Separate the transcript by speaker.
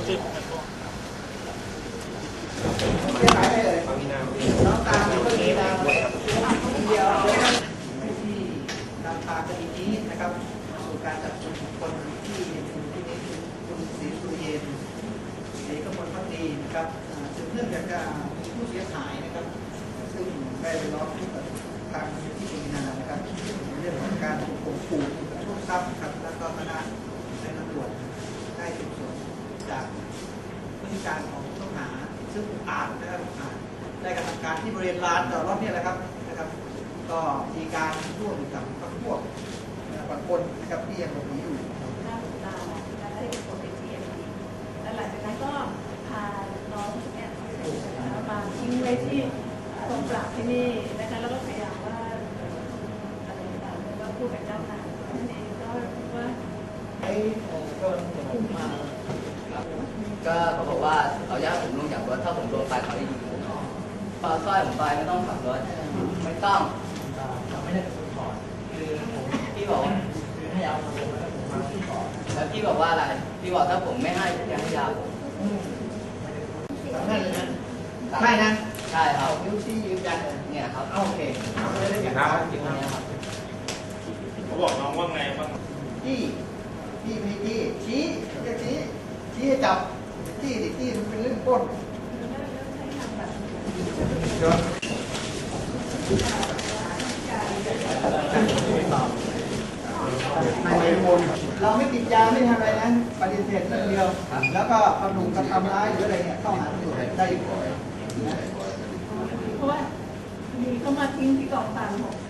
Speaker 1: น้องตามก็มีนามเดียวที่นำพาคดีนี้นะครับสู่การจับกุมคนที่ที่นี้คือคุณศรีสุเย็นศรีกมลพักดีนะครับสืบเนื่องจากผู้เสียหายนะครับซึ่งได้ไปร้องทุกข์กับทางที่ปวีณานะครับเรื่องของการถูกข่มขู่กระทบทรัพย์ครับแล้วก็คณะในตำรวจได้สืบสวนจากพฤติการของผู้ต้องหาซึ่งอุกอาจนะครับได้กระทำการที่บริเวณลานจอดรถนี่แหละครับก็มีการร่วมกับพวกบางคนนะครับที่ยังหลบหนีอยู่
Speaker 2: หน้าตาการได้ผลเป็นทีเอ็มดีแล้วหลังจากนั้นก็พาน้องเนี่ยมาทิ้งไว้ที่กองปราบที่นี่นะคะแล้วก็พยายามว่าอะไรต่างๆว่าพูดกับเจ้านายนั่นเองก็ว่า
Speaker 3: ก็เขาบอกว่าเขาอยากผมลงจากรถถ้าผมโดนไปเขาจะยิงผมพอสร้อยผมไปไม่ต้องขับรถไม่ต้องไม่ได้เป็นคนถอดคือผมพี่บอกคือให้ยาผมแล้วผมมาที่ก่อนแล้วพี่บอกว่าอะไรพี่บอกถ้าผมไม่ให้จะให้ยาผม
Speaker 1: ไม่นะไม่นะ
Speaker 3: ใช่ครับ
Speaker 1: นิ้วชี้ยืนยัน
Speaker 3: เนี่ยครับ
Speaker 1: โอเคไม่ได้อย่างนั้นจริงๆครับ
Speaker 4: เขาบอกน้องว่าไงบ้าง
Speaker 1: พี่ไม่ชี้จะชี้ให้จับที่มันเป็นเรื่องก้นเราไม่ติดยาไม่ทำอะไรนะปฏิเสธเรื่องเดียวแล้วก็กระดูกกระทำร้ายหรืออะไรเนี่ยเข้าหาตำรวจได้
Speaker 2: เพราะว่ามีเขามาทิ้งที่กองปราบ